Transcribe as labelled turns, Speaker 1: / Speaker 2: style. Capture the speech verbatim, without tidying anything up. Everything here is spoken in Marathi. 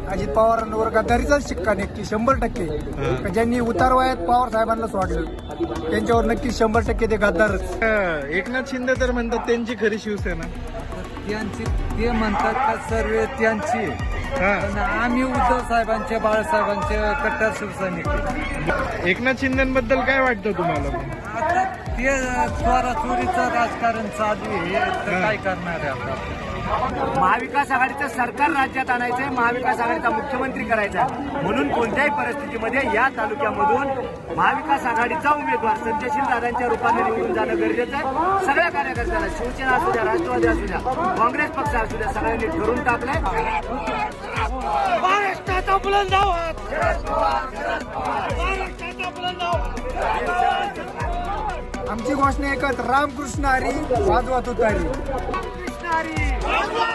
Speaker 1: अजित पवारांवर गद्दारीचाच शिक्का नक्की शंभर टक्के. ज्यांनी उतार वयात पवार साहेबांना सोडलं त्यांच्यावर नक्की शंभर टक्के ते गद्दारच.
Speaker 2: एकनाथ शिंदे तर म्हणतात त्यांची खरी शिवसेना.
Speaker 3: त्यांची ते म्हणतात का सर्व त्यांची, पण आम्ही उद्धव साहेबांचे बाळासाहेबांचे कट्टर शिवसैनिक.
Speaker 2: एकनाथ शिंदेबद्दल काय वाटतं तुम्हाला?
Speaker 3: आता ते चोरा चोरीचं राजकारण चालू आहे, तर काय करणार आहे आता?
Speaker 4: महाविकास आघाडीचं सरकार राज्यात आणायचंय, महाविकास आघाडीचा मुख्यमंत्री करायचा, म्हणून कोणत्याही परिस्थितीमध्ये या तालुक्यामधून महाविकास आघाडीचा उमेदवार संजयशील दादांच्या रूपाने निवडून जाणं गरजेचं आहे. सगळ्या कार्यकर्त्यांना, शिवसेना असू द्या, राष्ट्रवादी असू द्या, काँग्रेस पक्ष असू द्या, सगळ्यांनी ठरवून टाकलंय महाराष्ट्राचा बुलंद आवाज, महाराष्ट्राचा बुलंद आवाज.
Speaker 1: आमची घोषणा एकच, रामकृष्ण हरी वाजवा तुतारी.
Speaker 4: कृष्ण हरी.